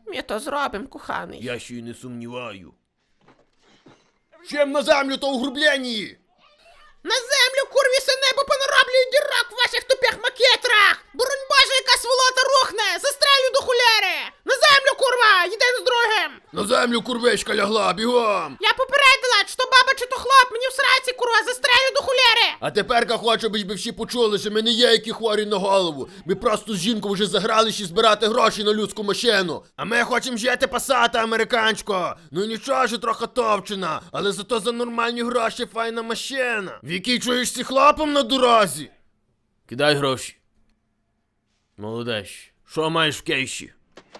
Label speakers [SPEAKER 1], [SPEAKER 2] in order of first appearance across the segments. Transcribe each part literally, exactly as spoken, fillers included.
[SPEAKER 1] Ми то зробим, коханий.
[SPEAKER 2] Я ще й не сумніваю. Чим на землю, то угрублені!
[SPEAKER 1] На землю, курвісе небо, понароблюю дірок в ваших тупих макетрах! Боронь Боже, яка сволота рухне! Застрелю до хуляри! На землю, курва! Єдин з другим!
[SPEAKER 2] На землю, курвичка, лягла, бігом!
[SPEAKER 1] Я попередила, чи то баба, чи то хлоп, мені в сраці, курва, застрелю до хуляри!
[SPEAKER 2] А теперка хочу, щоб ви всі почули, що ми не є які хворі на голову. Ми просто з жінкою вже загралися збирати гроші на людську машину. А ми хочемо жити пасати, американсько. Ну нічого, що трохи товчена, але зато за нормальні гроші файна машина. В якій чуєшся хлопом на дорозі? Кидай гроші. Молодець. Що маєш в кейші?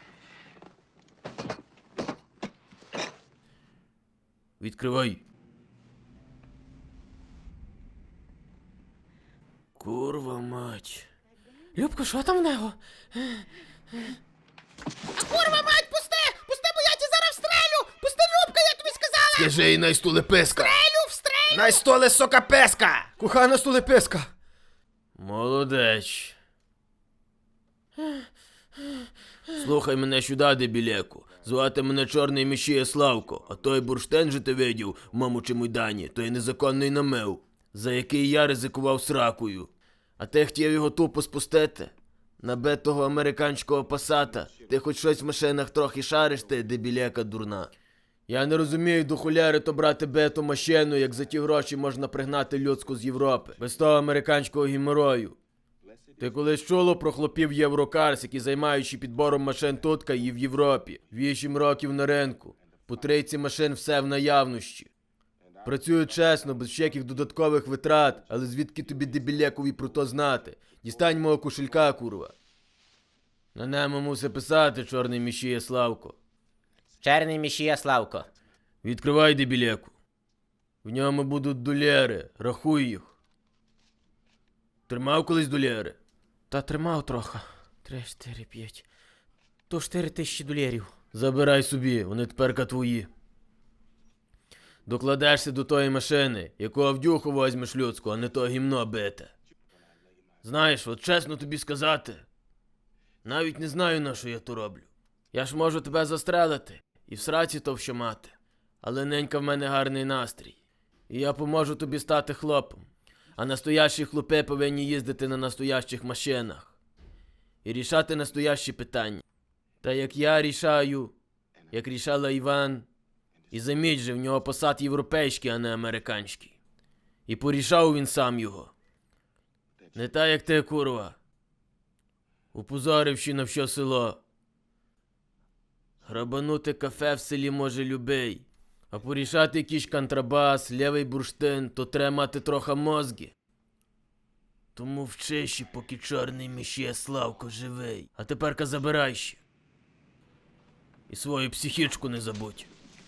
[SPEAKER 2] Відкривай. Курва мать.
[SPEAKER 1] Любко, що там в нього? А курва мать, пусти! Пусти, бо я ті зараз встрелю! Пусти, Любка, я тобі сказала!
[SPEAKER 2] Скажи їй най стулеписка.
[SPEAKER 1] Встрелю, встрелю!
[SPEAKER 2] Най столе сока песка.
[SPEAKER 3] Кохана стулеписка.
[SPEAKER 2] Молодець. Слухай мене сюди, дебілеку. Звати мене Чорний Мішія Славко, а той бурштин же ти видів в моєму чемодані, то є незаконний намив, за який я ризикував сракою. А ти хотів його тупо спустити? Набитого американського пасата. Ти хоч щось в машинах трохи шариш, ти, дебілека дурна. Я не розумію, до хуляри то брати биту машину, як за ті гроші можна пригнати людську з Європи. Без того американського гіморою. Ти колись чуло про хлопів Єврокарс, які займаючи підбором машин тутка і в Європі. Вісім років на ринку. По тридцять машин все в наявності. Працюють чесно, без всяких додаткових витрат, але звідки тобі дебілекові про то знати? Дістань мого кошелька, курва. На ньому мусить писати Чорний Мішія Славко.
[SPEAKER 1] Чорний Мішія Славко.
[SPEAKER 2] Відкривай, дебілеку. В ньому будуть доляри, рахуй їх. Тримав колись доляри?
[SPEAKER 1] Та тримав трохи. Три, чотири, п'ять. То чотири тисячі доларів.
[SPEAKER 2] Забирай собі, вони теперка твої. Докладешся до тої машини, яку авдюху возьмеш людську, а не то гімно бите. Знаєш, от чесно тобі сказати, навіть не знаю, на що я то роблю. Я ж можу тебе застрелити і в сраці то що мати. Але ненька в мене гарний настрій. І я поможу тобі стати хлопом. А настоящі хлопи повинні їздити на настоящих машинах. І рішати настоящі питання. Та як я рішаю, як рішала Іван, і заміть же, в нього посад європейський, а не американський. І порішав він сам його. Не та як ти, курва. Упозоривши на все село. Грабанути кафе в селі може любий. А порішати якийсь контрабас, лівий бурштин, то треба мати трохи мозги. Тому вчиші, поки Чорний Мішія Славко живий. А теперка забирай ще. І свою психічку не забудь.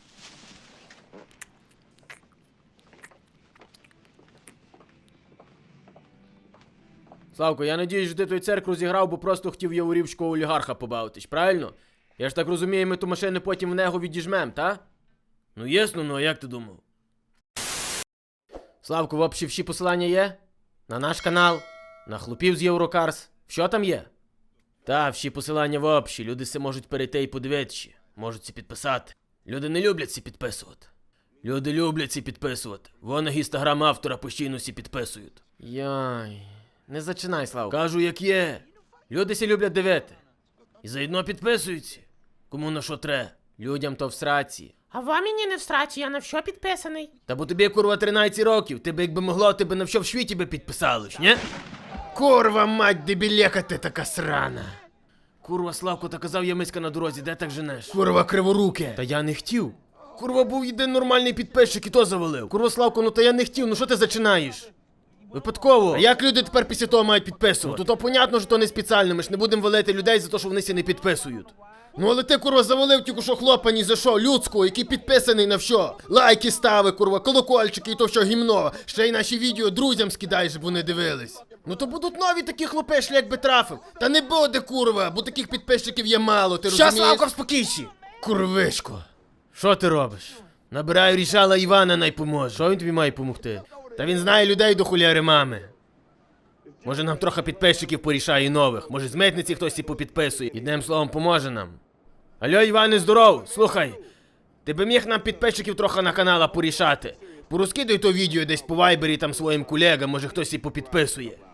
[SPEAKER 2] Славко, я надіюсь, що ти той цирк розіграв, бо просто хотів яворівського олігарха побавитись, правильно? Я ж так розумію, ми ту машину потім в нього відіжмем, та? Ну ясно, ну а як ти думав? Славко, в общі всі посилання є? На наш канал, на хлопів з Єврокарс. Що там є? Та, всі посилання в общі, люди се можуть перейти і подивитися. Можуть це підписати. Люди не люблять це підписувати. Люди люблять це підписувати. Вон інстаграм автора постійно всі підписують.
[SPEAKER 1] Йой, не зачинай, Славко.
[SPEAKER 2] Кажу, як є. Люди сі люблять дивити. І заодно підписуються. Кому на що тре.
[SPEAKER 1] Людям то в сраці. А вам мені не в сраці, я на що підписаний?
[SPEAKER 2] Та бо тобі, курва, тринадцять років. Ти би, якби могло, ти би на що в світі би підписалось, ні?
[SPEAKER 3] Курва мать, дебілека ти така срана.
[SPEAKER 2] Курва, Славко, та казав я миська на дорозі, де так женеш?
[SPEAKER 3] Курва криворуке.
[SPEAKER 2] Та я не хотів. Курва, був єдин нормальний підписчик і то завалив. Курва, Славко, ну та я не хотів, ну що ти зачинаєш? Випадково.
[SPEAKER 3] А як люди тепер після того мають підписувати?
[SPEAKER 2] Ну то то понятно, що то не спеціально, ми ж не будемо валити людей за те, що вони ся не підписують.
[SPEAKER 3] Ну але ти, курва, завалив тільки що хлопа ні за що, людського, який підписаний на що. Лайки стави, курва, колокольчики і то що гімно. Ще й наші відео друзям скидай, щоб вони дивились. Ну то будуть нові такі хлопи, шлях би трафив. Та не буде, курва, бо таких підписчиків є мало, ти розумієш?
[SPEAKER 2] Щас, Славко, спокійші.
[SPEAKER 3] Курвишко.
[SPEAKER 2] Що ти робиш? Набираю рішала Івана, най поможе. Що він тобі має помогти? Та він знає людей до хуляри мами. Може нам трохи підписчиків порішає нових. Може з митниці хтось і попідписує. Єдним словом, поможе нам.
[SPEAKER 3] Алло, Іване, здоров, слухай. Ти би міг нам підписчиків трохи на канала порішати. Порозкидай то відео десь по вайбері там своїм колегам, може хтось і попідписує.